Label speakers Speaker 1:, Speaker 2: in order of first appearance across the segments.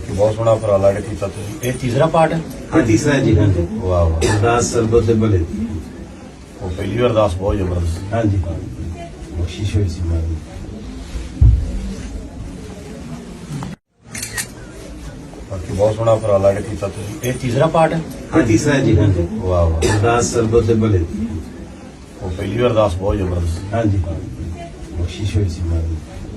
Speaker 1: ਬਾਕੀ ਬਹੁਤ ਸੋਹਣਾ ਉਪਰਾਲਾ ਜਿਹੜਾ ਕੀਤਾ ਤੁਸੀਂ। ਇਹ ਤੀਸਰਾ ਪਾਰਟ ਹੈ?
Speaker 2: ਹਾਂ ਤੀਸਰਾ ਹੈ ਜੀ। ਹਾਂਜੀ
Speaker 1: ਵਾਹ ਵਾਹ,
Speaker 2: ਅਰਦਾਸ ਸਰਬਤ ਦੇ ਭਲੇ ਦੀ।
Speaker 1: ਉਹ ਪਹਿਲੀ ਵਾਰ ਅਰਦਾਸ ਬਹੁਤ ਜ਼ਬਰਦਸਤ ਸੀ।
Speaker 2: ਹਾਂਜੀ ਬਖਸ਼ਿਸ਼ ਹੋਈ ਸੀ ਮਾਰੀ।
Speaker 1: ਬਾਕੀ ਬਹੁਤ ਸੋਹਣਾ ਉਪਰਾਲਾ ਜਿਹੜਾ ਕੀਤਾ ਤੁਸੀਂ। ਇਹ ਤੀਸਰਾ ਪਾਰਟ ਹੈ?
Speaker 2: ਹਾਂ ਤੀਸਰਾ ਹੈ ਜੀ। ਹਾਂਜੀ
Speaker 1: ਵਾਹ ਵਾਹ,
Speaker 2: ਅਰਦਾਸ ਸਰਬਤ ਦੇ ਭਲੇ ਦੀ।
Speaker 1: ਉਹ ਪਹਿਲੀ ਵਾਰ ਅਰਦਾਸ ਬਹੁਤ ਜ਼ਬਰਦਸਤ ਸੀ।
Speaker 2: ਹਾਂਜੀ ਬਖਸ਼ਿਸ਼ ਹੋਈ ਸੀ ਮਾਰੀ।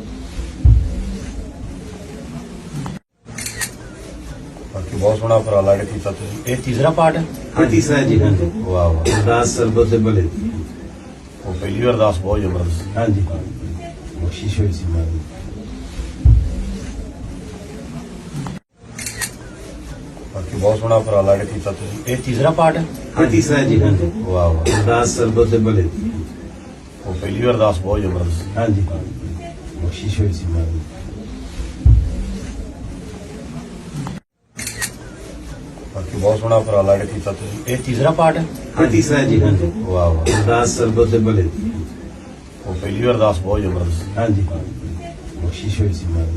Speaker 1: ਬਾਕੀ ਬਹੁਤ ਸੋਹਣਾ ਉਪਰਾਲਾ ਜਿਹੜਾ ਕੀਤਾ ਤੁਸੀਂ। ਇਹ ਤੀਸਰਾ ਪਾਰਟ ਹੈ?
Speaker 2: ਹਾਂ ਤੀਸਰਾ ਹੈ ਜੀ। ਹਾਂਜੀ
Speaker 1: ਵਾਹ ਵਾਹ,
Speaker 2: ਅਰਦਾਸ ਸਰਬਤ ਦੇ ਭਲੇ ਦੀ।
Speaker 1: ਉਹ ਪਹਿਲੀ ਵਾਰ ਅਰਦਾਸ ਬਹੁਤ ਜ਼ਬਰਦਸਤ ਸੀ।
Speaker 2: ਹਾਂਜੀ ਬਖਸ਼ਿਸ਼ ਹੋਈ ਸੀ ਮਾਰੀ।
Speaker 1: ਬਾਕੀ ਬਹੁਤ ਸੋਹਣਾ ਉਪਰਾਲਾ ਜਿਹੜਾ ਕੀਤਾ ਤੁਸੀਂ। ਇਹ ਤੀਸਰਾ ਪਾਰਟ ਹੈ?
Speaker 2: ਹਾਂ ਤੀਸਰਾ ਹੈ ਜੀ। ਹਾਂਜੀ
Speaker 1: ਵਾਹ ਵਾਹ,
Speaker 2: ਅਰਦਾਸ ਸਰਬਤ ਦੇ ਭਲੇ ਦੀ।
Speaker 1: ਉਹ ਪਹਿਲੀ ਵਾਰ ਅਰਦਾਸ ਬਹੁਤ ਜ਼ਬਰਦਸਤ ਸੀ।
Speaker 2: ਹਾਂਜੀ ਬਖਸ਼ਿਸ਼ ਹੋਈ ਸੀ ਮਾਰੀ।
Speaker 1: ਬਾਕੀ ਬਹੁਤ ਸੋਹਣਾ ਉਪਰਾਲਾ ਜਿਹੜਾ ਕੀਤਾ ਤੁਸੀਂ। ਇਹ ਤੀਸਰਾ ਪਾਰਟ ਹੈ?
Speaker 2: ਹਾਂ ਤੀਸਰਾ ਹੈ ਜੀ। ਹਾਂਜੀ
Speaker 1: ਵਾਹ ਵਾਹ,
Speaker 2: ਅਰਦਾਸ ਸਰਬਤ ਦੇ ਭਲੇ ਦੀ।
Speaker 1: ਉਹ ਪਹਿਲੀ ਵਾਰ ਅਰਦਾਸ ਬਹੁਤ ਜ਼ਬਰਦਸਤ ਸੀ।
Speaker 2: ਹਾਂਜੀ ਬਖਸ਼ਿਸ਼ ਹੋਈ ਸੀ ਮਾਰੀ।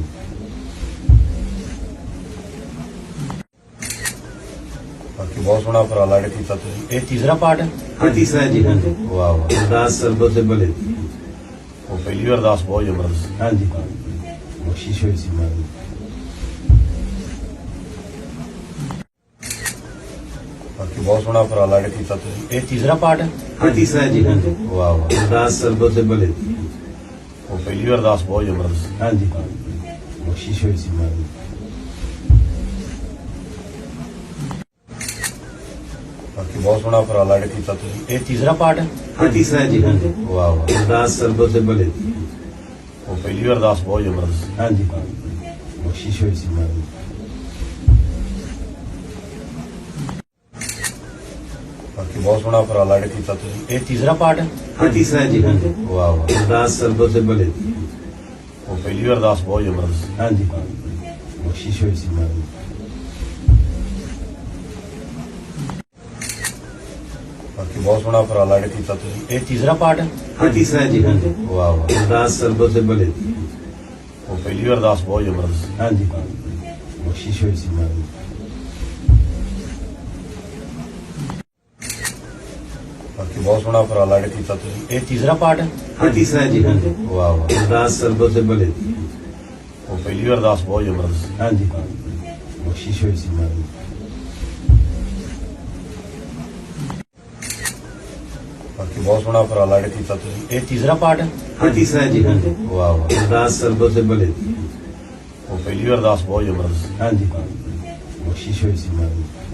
Speaker 1: ਬਾਕੀ ਬਹੁਤ ਸੋਹਣਾ ਉਪਰਾਲਾ ਜਿਹੜਾ ਕੀਤਾ ਤੁਸੀਂ। ਇਹ ਤੀਸਰਾ ਪਾਰਟ ਹੈ?
Speaker 2: ਹਾਂ ਤੀਸਰਾ ਹੈ ਜੀ। ਹਾਂਜੀ
Speaker 1: ਵਾਹ ਵਾਹ,
Speaker 2: ਅਰਦਾਸ ਸਰਬਤ ਦੇ ਭਲੇ ਦੀ।
Speaker 1: ਉਹ ਪਹਿਲੀ ਵਾਰ ਅਰਦਾਸ ਬਹੁਤ ਜ਼ਬਰਦਸਤ ਸੀ।
Speaker 2: ਹਾਂਜੀ ਬਖਸ਼ਿਸ਼ ਹੋਈ ਸੀ ਮਾਰੀ।
Speaker 1: ਬਾਕੀ ਬਹੁਤ ਸੋਹਣਾ ਉਪਰਾਲਾ ਜਿਹੜਾ ਕੀਤਾ ਤੁਸੀਂ। ਇਹ ਤੀਸਰਾ ਪਾਰਟ ਹੈ?
Speaker 2: ਹਾਂ ਤੀਸਰਾ ਹੈ ਜੀ। ਹਾਂਜੀ
Speaker 1: ਵਾਹ ਵਾਹ,
Speaker 2: ਅਰਦਾਸ ਸਰਬਤ ਦੇ ਭਲੇ ਦੀ।
Speaker 1: ਉਹ ਪਹਿਲੀ ਵਾਰ ਅਰਦਾਸ ਬਹੁਤ ਜ਼ਬਰਦਸਤ ਸੀ।
Speaker 2: ਹਾਂਜੀ ਬਖਸ਼ਿਸ਼ ਹੋਈ ਸੀ ਮਾਰੀ।
Speaker 1: ਬਾਕੀ ਬਹੁਤ ਸੋਹਣਾ ਉਪਰਾਲਾ ਜਿਹੜਾ ਕੀਤਾ ਤੁਸੀਂ। ਇਹ ਤੀਸਰਾ ਪਾਰਟ ਹੈ?
Speaker 2: ਹਾਂ ਤੀਸਰਾ ਹੈ ਜੀ। ਹਾਂਜੀ
Speaker 1: ਵਾਹ ਵਾਹ,
Speaker 2: ਅਰਦਾਸ ਸਰਬਤ ਦੇ ਭਲੇ ਦੀ।
Speaker 1: ਉਹ ਪਹਿਲੀ ਵਾਰ ਅਰਦਾਸ ਬਹੁਤ ਜ਼ਬਰਦਸਤ ਸੀ।
Speaker 2: ਹਾਂਜੀ ਬਖਸ਼ਿਸ਼ ਹੋਈ ਸੀ ਮਾਰੀ।
Speaker 1: ਬਾਕੀ ਬਹੁਤ ਸੋਹਣਾ ਉਪਰਾਲਾ ਜਿਹੜਾ ਕੀਤਾ ਤੁਸੀਂ। ਇਹ ਤੀਸਰਾ ਪਾਰਟ ਹੈ?
Speaker 2: ਹਾਂ ਤੀਸਰਾ ਹੈ ਜੀ। ਹਾਂਜੀ
Speaker 1: ਵਾਹ ਵਾਹ,
Speaker 2: ਅਰਦਾਸ ਸਰਬਤ ਦੇ ਭਲੇ ਦੀ।
Speaker 1: ਉਹ ਪਹਿਲੀ ਵਾਰ ਅਰਦਾਸ ਬਹੁਤ ਜ਼ਬਰਦਸਤ ਸੀ।
Speaker 2: ਹਾਂਜੀ ਬਖਸ਼ਿਸ਼ ਹੋਈ ਸੀ ਮਾਰੀ।
Speaker 1: ਬਾਕੀ ਬਹੁਤ ਸੋਹਣਾ ਉਪਰਾਲਾ ਜਿਹੜਾ ਕੀਤਾ ਤੁਸੀਂ। ਇਹ ਤੀਸਰਾ ਪਾਰਟ ਹੈ?
Speaker 2: ਹਾਂ ਤੀਸਰਾ ਹੈ ਜੀ। ਹਾਂਜੀ
Speaker 1: ਵਾਹ ਵਾਹ,
Speaker 2: ਅਰਦਾਸ ਸਰਬਤ ਦੇ ਭਲੇ ਦੀ।
Speaker 1: ਉਹ ਪਹਿਲੀ ਵਾਰ ਅਰਦਾਸ ਬਹੁਤ ਜ਼ਬਰਦਸਤ ਸੀ।
Speaker 2: ਹਾਂਜੀ ਬਖਸ਼ਿਸ਼ ਹੋਈ ਸੀ ਮਾਰੀ।
Speaker 1: ਬਾਕੀ ਬਹੁਤ ਸੋਹਣਾ ਉਪਰਾਲਾ ਜਿਹੜਾ ਕੀਤਾ ਤੁਸੀਂ। ਇਹ ਤੀਸਰਾ ਪਾਰਟ ਹੈ?
Speaker 2: ਹਾਂ ਤੀਸਰਾ ਹੈ ਜੀ। ਹਾਂਜੀ
Speaker 1: ਵਾਹ ਵਾਹ,
Speaker 2: ਅਰਦਾਸ ਸਰਬਤ ਦੇ ਭਲੇ ਦੀ।
Speaker 1: ਉਹ ਪਹਿਲੀ ਵਾਰ ਅਰਦਾਸ ਬਹੁਤ ਜ਼ਬਰਦਸਤ ਸੀ।
Speaker 2: ਹਾਂਜੀ ਬਖਸ਼ਿਸ਼ ਹੋਈ ਸੀ ਮਾਰੀ।
Speaker 1: ਬਾਕੀ ਬਹੁਤ ਸੋਹਣਾ ਉਪਰਾਲਾ ਜਿਹੜਾ ਕੀਤਾ ਤੁਸੀਂ। ਇਹ ਤੀਸਰਾ ਪਾਰਟ ਹੈ?
Speaker 2: ਹਾਂ ਤੀਸਰਾ ਹੈ ਜੀ। ਹਾਂਜੀ
Speaker 1: ਵਾਹ ਵਾਹ,
Speaker 2: ਅਰਦਾਸ ਸਰਬਤ ਦੇ ਭਲੇ ਦੀ।
Speaker 1: ਉਹ ਪਹਿਲੀ ਵਾਰ ਅਰਦਾਸ ਬਹੁਤ ਜ਼ਬਰਦਸਤ ਸੀ।
Speaker 2: ਹਾਂਜੀ ਬਖਸ਼ਿਸ਼ ਹੋਈ ਸੀ ਮਾਰੀ।